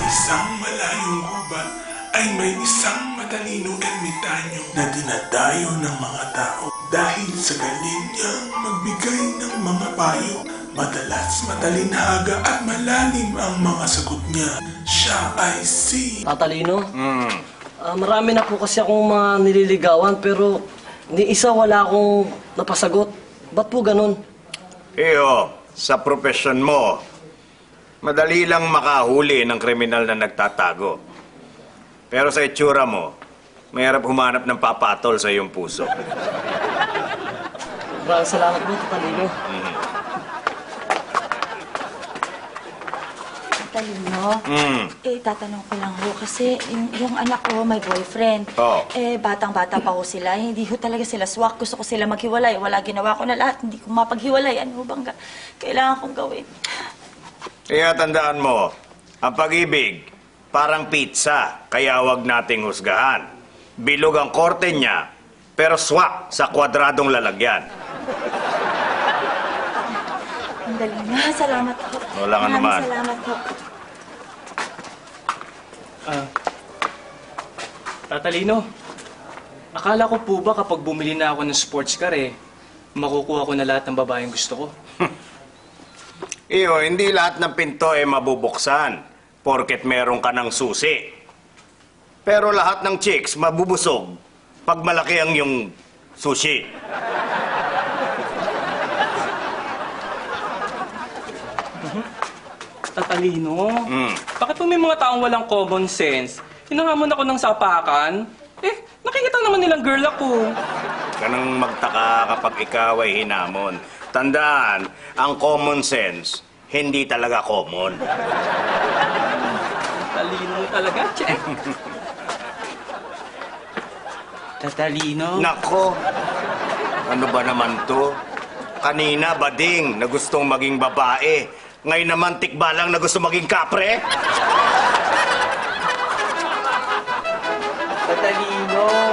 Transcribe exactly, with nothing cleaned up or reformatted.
isang malayong gubat ay may isang matalinong ermitanyo na dinadayo ng mga tao dahil sa galing niyang magbigay ng mga payo. Madalas matalinhaga at malalim ang mga sagot niya. Siya ay si... Tatalino? Hmm. Ah, marami na po kasi akong mga nililigawan pero ni isa wala akong napasagot. Ba't po ganun? Iyo, sa profesyon mo, madali lang makahuli ng kriminal na nagtatago. Pero sa itsura mo, mahirap humanap ng papatol sa iyong puso. Maraming salamat po, Tatalino. Mm. Talino, Mm. eh, tatanong ko lang ho, kasi yung, yung anak ko, may boyfriend. Oo. Eh, batang-bata pa ho sila. Hindi ho talaga sila swak. Gusto ko sila maghiwalay. Wala, ginawa ko na lahat. Hindi ko mapaghiwalay. Ano ho bang ga- kailangan kong gawin? Kaya tandaan mo, ang pag-ibig, parang pizza, kaya huwag nating husgahan. Bilog ang korte niya, pero swak sa kwadradong lalagyan. Ang galing na. Salamat ho. Wala nga Maraming naman. salamat ho. Ah, Tatalino, akala ko po ba kapag bumili na ako ng sports car eh, makukuha ko na lahat ng babaeng gusto ko? Iyo, hindi lahat ng pinto ay mabubuksan, porket meron ka ng susi. Pero lahat ng chicks mabubusog pag malaki ang yung sushi. Tatalino, Mm. bakit po may mga taong walang common sense? Hinangamon ako ng sapakan? Eh, nakikita naman nilang girl ako. Kanang magtaka kapag ikaw ay hinamon. Tandaan, ang common sense, hindi talaga common. Tatalino talaga, check. Tatalino? Nako, ano ba naman to? Kanina, bading, na gustong maging babae. Ngayon naman, tikbalang na gusto maging kapre. Tatalino!